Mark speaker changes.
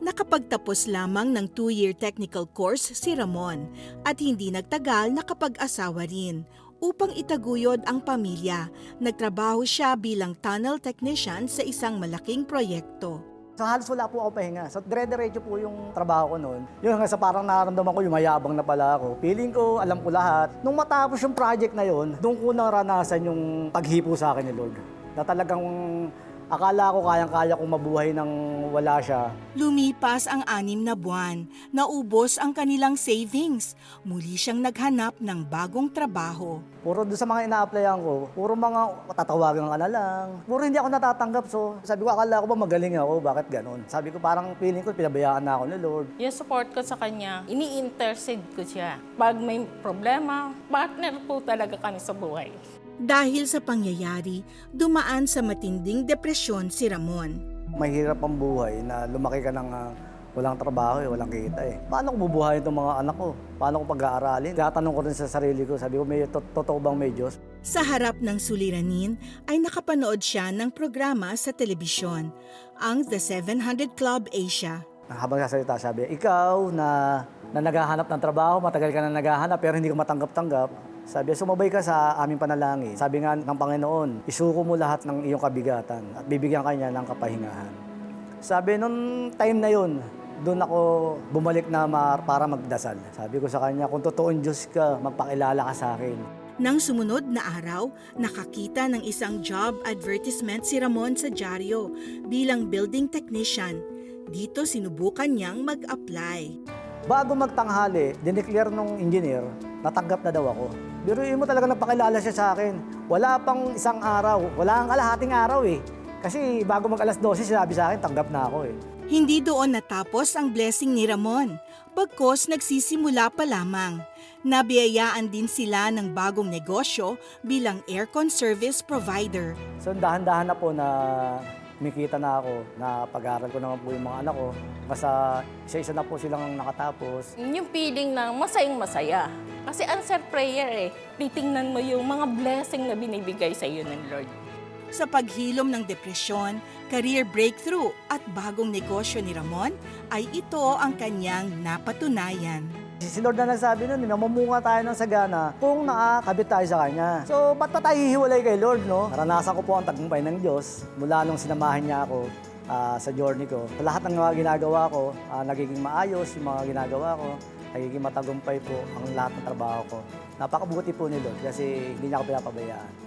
Speaker 1: Nakapagtapos lamang ng 2-year technical course si Ramon at hindi nagtagal nakapag-asawa rin. Upang itaguyod ang pamilya, nagtrabaho siya bilang tunnel technician sa isang malaking proyekto.
Speaker 2: So halos wala po ako pahinga. So dire-diretso po yung trabaho ko noon. Yung hanggang sa parang nararamdaman ko yung mayabang na pala ako. Feeling ko, alam ko lahat. Nung matapos yung project na yon, doon ko naranasan yung paghipo sa akin ni Lord. Na talagang akala ko kayang-kaya kong mabuhay nang wala siya.
Speaker 1: Lumipas ang 6 na buwan, naubos ang kanilang savings. Muli siyang naghanap ng bagong trabaho.
Speaker 2: Puro doon sa mga ina-applyan ko, puro mga tatawagan ka na lang. Puro hindi ako natatanggap. So sabi ko, akala ko ba magaling ako? Bakit ganun? Sabi ko, parang feeling ko, pinabayaan na ako ni Lord.
Speaker 3: Yung support ko sa kanya, ini-intercede ko siya. Pag may problema, partner po talaga kami sa buhay.
Speaker 1: Dahil sa pangyayari, dumaan sa matinding depresyon si Ramon.
Speaker 2: Mahirap ang buhay na lumaki ka ng walang trabaho, walang kita eh. Paano ko bubuhayin itong mga anak ko? Paano ko pag-aaralin? Tatanong ko rin sa sarili ko, sabi ko, may totoo bang may Diyos?
Speaker 1: Sa harap ng suliranin ay nakapanood siya ng programa sa telebisyon, ang The 700 Club Asia.
Speaker 2: Habang sasalita, sabi, ikaw na naghahanap ng trabaho, matagal ka na naghahanap pero hindi ka matanggap-tanggap. Sabi, sumabay ka sa aming panalangin. Sabi nga ng Panginoon, isuko mo lahat ng iyong kabigatan at bibigyan ka niya ng kapahingahan. Sabi, nung time na yun, doon ako bumalik na para magdasal. Sabi ko sa kanya, kung totoong Diyos ka, magpakilala ka sa akin.
Speaker 1: Nang sumunod na araw, nakakita ng isang job advertisement si Ramon sa dyaryo bilang building technician. Dito sinubukan niyang mag-apply.
Speaker 2: Bago magtanghali, dineclare nung engineer, natanggap na daw ako. Biruin mo talaga nagpakilala siya sa akin. Wala pang isang araw, wala ang kalahating araw eh. Kasi bago mag-alas 12, sinabi sa akin, tanggap na ako eh.
Speaker 1: Hindi doon natapos ang blessing ni Ramon. Pagkos nagsisimula pa lamang. Nabiyayaan din sila ng bagong negosyo bilang aircon service provider.
Speaker 2: So dahan-dahan na po na kumikita na ako, na pag-aaral ko naman po yung mga anak ko. Kasi isa-isa na po silang nakatapos.
Speaker 3: Yung feeling na masayang-masaya. Kasi answer prayer eh. Titingnan mo yung mga blessing na binibigay sa iyo ng Lord.
Speaker 1: Sa paghilom ng depresyon, career breakthrough at bagong negosyo ni Ramon ay ito ang kanyang napatunayan.
Speaker 2: Si Lord na nagsabi nun, namumunga tayo ng sagana kung nakakabit tayo sa Kanya. So, ba't pa tayo hihiwalay kay Lord, no? Naranasan ko po ang tagumpay ng Diyos mula nung sinamahan niya ako sa journey ko. Lahat ng mga ginagawa ko, nagiging maayos yung mga ginagawa ko. Nagiging matagumpay po ang lahat ng trabaho ko. Napakabuti po ni Lord kasi hindi niya ako pinapabayaan.